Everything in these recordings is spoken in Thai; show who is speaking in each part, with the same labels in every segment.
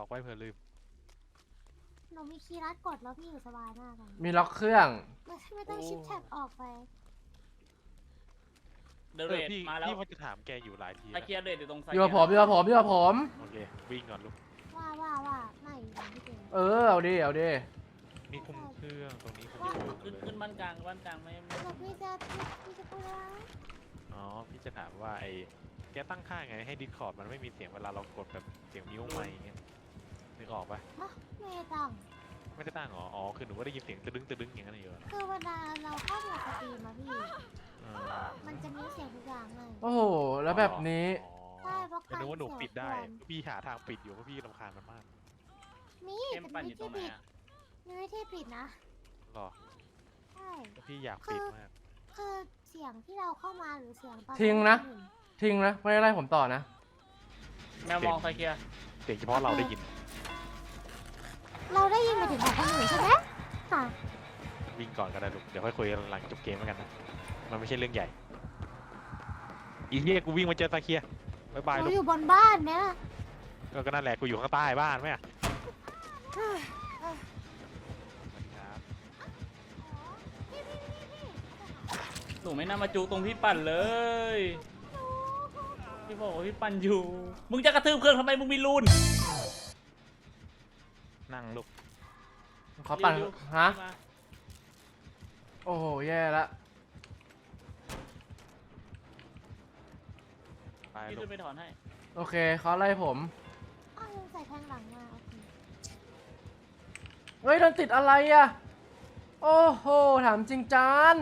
Speaker 1: บอกไว้เผื่อลืม
Speaker 2: หนูมีคีย์ลัดกดแล้วพี่อยู่สบายมากเลย
Speaker 3: มีล็อกเครื่อง
Speaker 2: ไม่ต้องชิปแท็บออกไป
Speaker 4: เดเรดมาแล้ว
Speaker 1: พี่ว่าจะถามแกอยู่หลายที
Speaker 4: ตะเคียนเดรดอยู่ตรงไซ
Speaker 3: อยู่กับผม
Speaker 1: โอเควิ่งก่อนลูก
Speaker 2: ว่าไม่อยู่ที่เดิม
Speaker 3: เอาดิ
Speaker 1: นี่คุมเครื่องตรงนี้คุม
Speaker 4: ขึ้นบ้านกลางไม่
Speaker 2: แล้วพี่จะพูดอะไร
Speaker 1: อ๋อพี่จะถามว่าไอ้แกตั้งค่าไงให้ดิสคอร์ดมันไม่มีเสียงเวลาเรากดแบบเสียงนิ้วไม่อย่างเงี้ยนึกออกปะ
Speaker 2: ไม่ต้อง
Speaker 1: ไม่ได้ตั้งหรออ๋อคือหนูก็ได้ยินเสียงตึ้งอย่างนั้นอยู่
Speaker 2: คือเวลาเราเข้าดูสตรีมอะพี่มันจะมีเสียงทุกอย่างเลย
Speaker 3: โอ้โหแล้วแบบนี้
Speaker 2: ใช่เพราะการ
Speaker 1: นึกว่าหนูปิดได้
Speaker 2: เสียง
Speaker 1: พี่หาทางปิดอยู่เพราะพี่รำคาญมันมาก
Speaker 2: มี
Speaker 4: เกมปั่นอยู่ตรงไหน
Speaker 2: มีวิธีปิดนะ
Speaker 1: หรอ
Speaker 2: ใช่
Speaker 1: พี่อยากปิดมาก
Speaker 2: คือเสียงที่เราเข้ามาหรือเสียงตอน
Speaker 3: ทิ้งนะไม่ได้ไล่ผมต่อนะ
Speaker 4: แมวมองไซเคีย
Speaker 1: เสียงเฉพาะเราได้ยิน
Speaker 2: เราได้ยินไปถึงของคนอื่นใช่ไหมค่ะ
Speaker 1: วิ่งก่อนก็ได้ลูกเดี๋ยวค่อยคุยกันหลังจบเกมแล้วกันนะมันไม่ใช่เรื่องใหญ่อีเหี้ยกูวิ่งมาเจอตาเคียบายบาย
Speaker 2: ห
Speaker 1: ลู
Speaker 2: นู
Speaker 1: ก
Speaker 2: อยู่บนบ้านเนี่ย
Speaker 1: ก็นั่นแหละกูอยู่ข้างใต้บ้านไหมอะครับ
Speaker 4: หนูไม่น่ามาจูตรงพี่ปั่นเลยพี่บอกว่าพี่ปั่นอยู่มึงจะกระทืบเครื่องทำไมมึงมีรูน
Speaker 1: นั่งลูก
Speaker 3: ขอปั่น
Speaker 4: ริว
Speaker 3: ฮะ
Speaker 4: มา
Speaker 3: โอ้โหแย่ละ
Speaker 1: ไป
Speaker 4: พี่
Speaker 1: ลู
Speaker 4: ขึ้
Speaker 1: ก
Speaker 4: นไปถอนให้
Speaker 3: โอเคเขาไล่ผม
Speaker 2: อ้าวยังใส่แทงหลังมาโอเค
Speaker 3: เฮ้ยโดนติดอะไรอะโอ้โหถามจริงจาน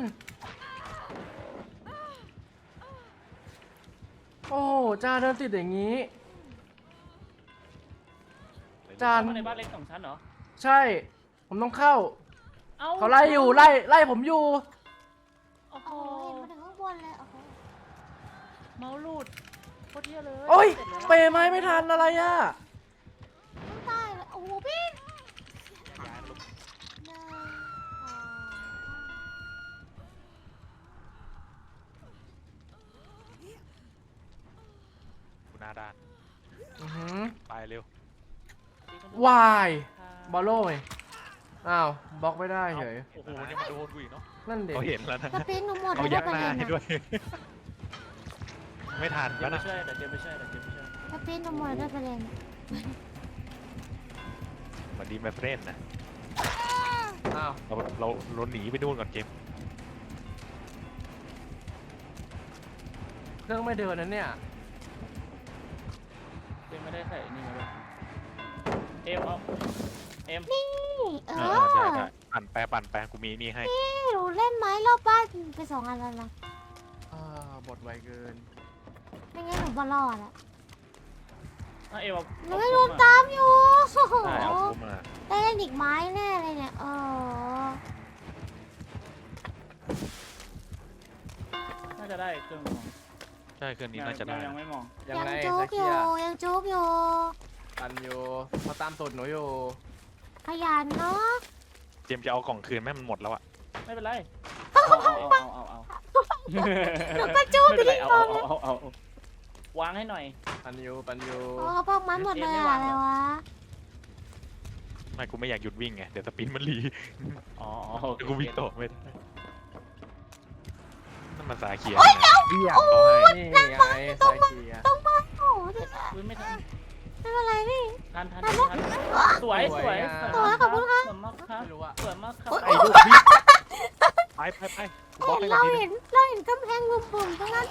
Speaker 3: โอ้โหจานโดนติดอย่างนี้ จาน
Speaker 4: เข้ามาในบ้านเล็กของฉันเหรอ
Speaker 3: ใช่ผมต้องเข้า
Speaker 4: เอ้า
Speaker 3: เขาไล่อยู่ไล่ผมอยู่
Speaker 4: โอ้โห
Speaker 2: โอ้โหเห็นมาถึงข้างบนเลยโอ้โห
Speaker 4: เมาส์รูดโคตรเที่ยเลย
Speaker 3: โอ้ย
Speaker 4: สร็จแล้ว
Speaker 3: เปย์ไม้ไม่ทันอะไรอะ
Speaker 2: ต้องตายเลยโอ้โหพี่
Speaker 1: ย้ายลูก
Speaker 2: หนึ่งสอง
Speaker 1: กูหน้าด้าน
Speaker 3: อือหือ
Speaker 1: ไปเร็ว
Speaker 3: วายบอลโล่ไงอ้าวบล็อกไม่ได้เฉย
Speaker 1: โอ้โหนี่มาโดนกูอีกเนาะ
Speaker 3: นั่นเด็ก
Speaker 1: เขาเห็นแล้วนะ
Speaker 2: สปรินหนูหมด
Speaker 1: เขา
Speaker 2: แล้ว
Speaker 1: ยัก
Speaker 2: ประ
Speaker 1: หน้า
Speaker 2: เด็น
Speaker 1: ให้
Speaker 2: อะ
Speaker 1: ด้วย ไม่ทัน
Speaker 4: เดี๋
Speaker 1: แล้
Speaker 4: ยว วไม่
Speaker 1: นะ
Speaker 4: ใช่แต่เดี๋ยวไม่ใช่แต่เดี๋ยวไม่ใช่
Speaker 2: สปรินหนูหมดแล้วประเด็น
Speaker 1: สวัสดีแม่เฟรนนะ
Speaker 3: อ้าว
Speaker 1: เราหนีไปนู่นก่อนเกม
Speaker 3: เครื่องไม่เดินนะเนี่ย
Speaker 4: เป็นไม่ได้ใส่นี่มาเลยเอ็มเอาเอ็ม
Speaker 2: นี่เอ
Speaker 1: ได้
Speaker 2: อ
Speaker 1: ปั่นแปรกูมีนี่ให้
Speaker 2: หนูเล่นไม้รอบบ้านไป2 อันแล้วนะ
Speaker 3: บทไวเกิน
Speaker 2: ไม่งั้นหนูบอลรอดอะ
Speaker 4: เอ็มเอา
Speaker 2: หนูไม่โดนตามอยู่โอ้โห
Speaker 1: ได้เอากูมา
Speaker 2: ได้เล่นอีกไม้แน่เลยเนี่ย
Speaker 4: น่าจะได้เครื่องมอง
Speaker 1: ใช่เครื่องนี้น่าจะได้
Speaker 4: ยังไม่มอง
Speaker 3: ยังไง
Speaker 2: จุ
Speaker 3: ส
Speaker 2: กอ
Speaker 3: เกี
Speaker 2: ยู่
Speaker 3: ย
Speaker 2: ยังจุกอยู่
Speaker 3: ปันอยู่เขาตามตูดหนูอยู่
Speaker 2: ขยันเนาะ
Speaker 1: เจมส์จะเอากล่องคืนแม่มันหมดแล้วอะ
Speaker 4: ไม่เป็นไรเอา
Speaker 2: หนูก็จุก
Speaker 4: ไม่
Speaker 2: ไป
Speaker 4: เป็นไร
Speaker 2: ที่
Speaker 4: เอา
Speaker 2: กอง
Speaker 4: เอาวางให้หน่อย
Speaker 3: ปันอยู่
Speaker 2: โอ้เขาบอกไม้หมดเลยอะอะไรวะ
Speaker 1: ไม่กูไม่อยากหยุดวิ่งไงเดี๋ยวสปินมันรี
Speaker 4: อ๋อ
Speaker 1: เดี๋ยวกูวิ่งต่อไม่ได้นั่นมันสาเขียว
Speaker 3: เบี้ย
Speaker 1: เขาให้
Speaker 3: นี่ไงสายเกียร์
Speaker 2: ต้องมาโอ้โหเดี๋ยวนะ
Speaker 4: อุ้ยไม่ทัน
Speaker 2: ไม่เป็นไรพี่
Speaker 4: ทันสวยสวยมากครับ
Speaker 3: ไม่รู้อะ
Speaker 4: สวยมากครับ
Speaker 1: ไอ้ลูกพี่ไปกูบล็อกให้ก่
Speaker 2: เรา
Speaker 1: อนทีนึ
Speaker 2: เห็
Speaker 1: ง
Speaker 2: นเราเห็นกำแพงบุ่มๆตรงนั้น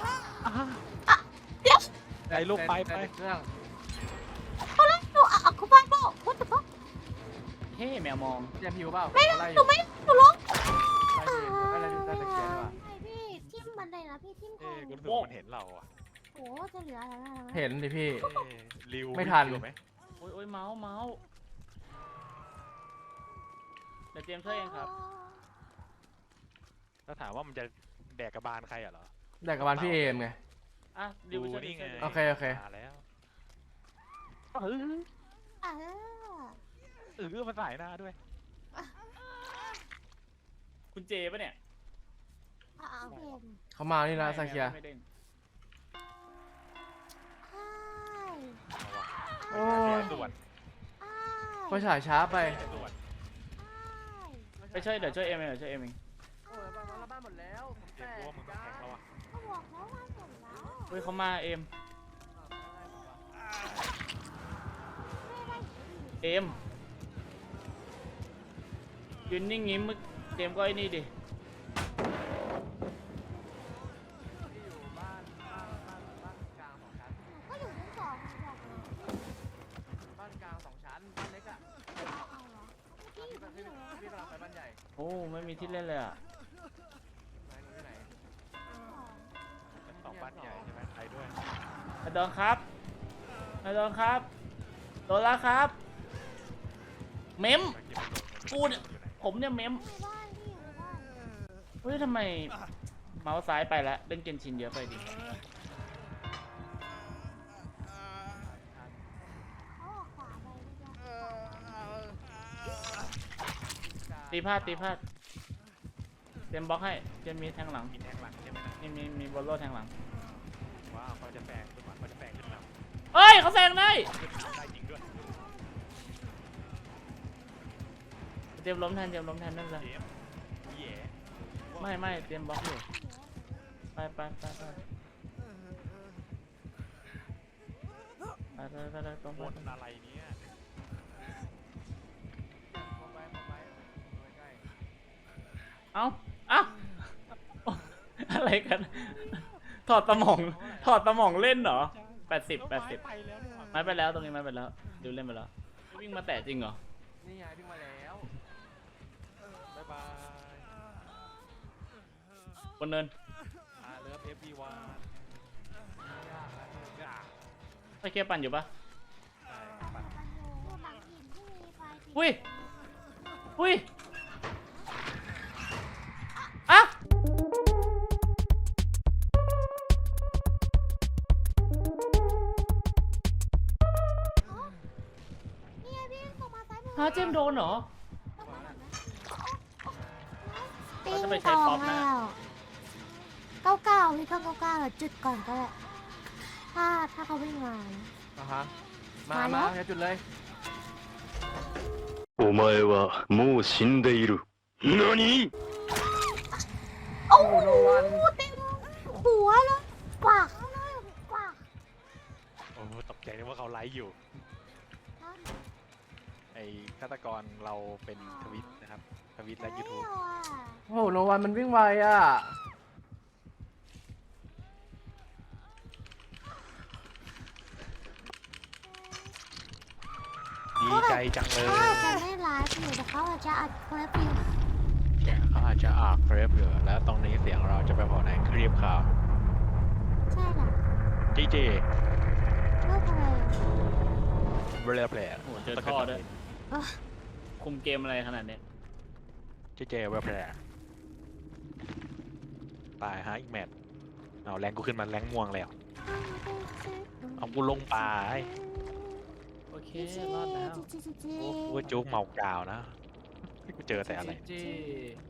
Speaker 1: ไอ้ลูกไป
Speaker 3: เครื่อง
Speaker 2: เขาไล่หนูอ่ะเขาบ้าบอกว่าแต่ว่า
Speaker 4: เฮ้แมวมอง
Speaker 3: เจ็บผิวเปล่า
Speaker 2: หนูไม่หนูร้อง
Speaker 3: อะไรตะเกียร์ว่ะ
Speaker 2: ใช่พี่ทิ่มบันไดนะพี่ทิ่มค
Speaker 1: เอ้
Speaker 2: อ
Speaker 1: กูรู้สึกว่ามันเห็นเราอะ
Speaker 2: โอ้จะเหลืออะไรบ้าง
Speaker 3: เห็นดิพี่
Speaker 1: ริว
Speaker 3: ไม่ทัน
Speaker 1: ริวไหม
Speaker 4: โอ้ยเมาส์เดี๋ยวเตรียมช่วยเองครับ
Speaker 1: แล้วถามว่ามันจะแดกกระบาลใครเหรอ
Speaker 3: แต่กับวันพี่เอมไง
Speaker 4: อ่ะดิวช่วย
Speaker 1: นี่ไง
Speaker 3: โอเคโอเค
Speaker 1: มาแล้ว
Speaker 2: เออ
Speaker 1: มาสายหน้าด้วย
Speaker 4: คุณเจปะเนี่ย
Speaker 2: พี่เอ็ม
Speaker 3: เขามานี่นะสายเกียร์
Speaker 4: ไม่เด้ง
Speaker 2: ใช่
Speaker 1: เอาวะไปหาเสียด่วน
Speaker 2: ใช่
Speaker 3: ไฟฉายช้าไป
Speaker 4: ไปช่วยเดี๋ยวช่วยเอ็มเองเดี๋ยวช่วยเอ็มเอง
Speaker 3: โอ้ยบ้านหมดแล้วผม
Speaker 1: เกมรู้ว่ามึงต้องแข่งแล้วอ่ะ
Speaker 2: ก็บอกแล้วว่าเสร็จแล้ว
Speaker 4: เฮ้ยเขามาเอ็มเอ็มยืนนิ่งงี้มึงเอ็มก็ไอ้นี่ดิ
Speaker 3: ที่อยู่บ้านกลาง2 ชั้น
Speaker 2: ก็อยู่ชั้นสองบอกเลย
Speaker 3: บ้านกลาง2 ชั้นบ้านเล็กอ่ะ
Speaker 2: เอาเหรอเมื่อกี้อยู่ตรงนี้เหรอ
Speaker 3: พี่กำลังไปบ้านใหญ่
Speaker 4: โอ้ไม่มีที่เล่นเลยอ่ะ
Speaker 3: ไหนหนูอยู่ไหน
Speaker 1: เป็นสองบ้านใหญ่ใช่ไหมไปด้วย
Speaker 4: ไอ้ดอนครับไอ้ดอนครับโดนแล้วครับ เมม กูเนี่ย ผมเนี่ยเมม
Speaker 2: อยู่ในบ้านพี่อยู่ในบ้าน
Speaker 4: เฮ้ยทำไมเมาส์ซ้ายไปแล้วเล่นเกนชินเยอะไปดิ
Speaker 2: เขาออกขวาไปเมื่อกี้
Speaker 4: ตีพลาดตีพลาดเตรียมบล็อกให้เตรียมมีแทงหลัง
Speaker 1: มีแทงหลังใช่ไหมนะ
Speaker 4: มีบอลโล่แทงหลัง
Speaker 1: ว้าวเขาจะแซงขึ้นมาเขาจะแซงขึ้นมา
Speaker 4: เฮ้ยเขาแซงได้
Speaker 1: ขึ้นมาได้จริงด้วย
Speaker 4: เตรียมล้มแทนเตรียมล้มแทนนั่นเลย
Speaker 1: เกมแย่
Speaker 4: ไม่เตรียมบล็อกอยู่ไปไปตรง
Speaker 1: บ
Speaker 4: ไป
Speaker 1: นอะไรเนี่ย
Speaker 3: มองไปใกล้
Speaker 4: เอ้าอะไรกัน ถอดสมองเล่นเหรอ80
Speaker 1: ไปแล้วนี่หว่า
Speaker 4: ไม้ไปแล้วตรงนี้ไม้ไปแล้วดูเล่นไปแล้ววิ่งมาแตะจริงเหรอ
Speaker 3: นี่ไงวิ่งมาแล้ว
Speaker 1: บ๊ายบาย
Speaker 4: บนเนิน
Speaker 1: เลิฟeveryone
Speaker 4: ไปเคลียร์ปั่นอยู่ปะ
Speaker 1: ใช่ปั่น
Speaker 2: มันอยู่หลังหินที่มีไฟสี
Speaker 4: อุ้ยอ่ะ
Speaker 2: นี่ไงพี่ส่งมาซ้ายมือ
Speaker 4: ฮะเจมส์โดนเหรอ
Speaker 2: ติ้
Speaker 4: เราจะ
Speaker 2: ง
Speaker 4: ไปใช้
Speaker 2: ตอ
Speaker 4: ป๊อง ปนะ
Speaker 2: แล้ว99พี่ก็99แบบจุดก่อนก็ได้ถ้าเขาวิ่งมานะ
Speaker 3: อ่ะฮะ
Speaker 2: มา
Speaker 3: มา
Speaker 2: แล้ว
Speaker 3: อย่าจุดเลย
Speaker 5: お前はもう死んでいる。何？
Speaker 2: โอ้
Speaker 3: โอ้
Speaker 2: โห
Speaker 3: โนวัน
Speaker 2: เต็มหัวเลยปากเลยปาก
Speaker 1: โอ้ตกใจนึกว่าเขาไลฟ์อยู่ ไอ้ฆาตกรเราเป็นทวิตนะครับ ทวิตและยูทูบ
Speaker 3: โอ้โหโนวันมันวิ่งไวอ่ะ
Speaker 1: ดีใจจังเลย
Speaker 2: เขาอาจจะไม่ไลฟ์อยู่แต่เขาอาจจะอัดคลิปอยู่
Speaker 1: เขาอาจจะอ่านเครปอยู่แล้วตรงนี้เสียงเราจะไปพอในคลิปข่าว
Speaker 2: ใช่แหละ
Speaker 1: จีจี
Speaker 2: เลิกเลย
Speaker 1: เบลเพลย์
Speaker 4: โอ้โหเจอท่อด้วย คุมเกมอะไรขนาดเนี้ย
Speaker 1: จีเจเบลเพลย์ตายฮะอีกแมตช์เอาแรงกูขึ้นมาแรงม่วงแล้ว เอากูลงป่าไอ้
Speaker 4: โอเครอดแล้ว
Speaker 1: กูว่าจุกเมากาวนะกูเจอแต่อะไร
Speaker 3: จี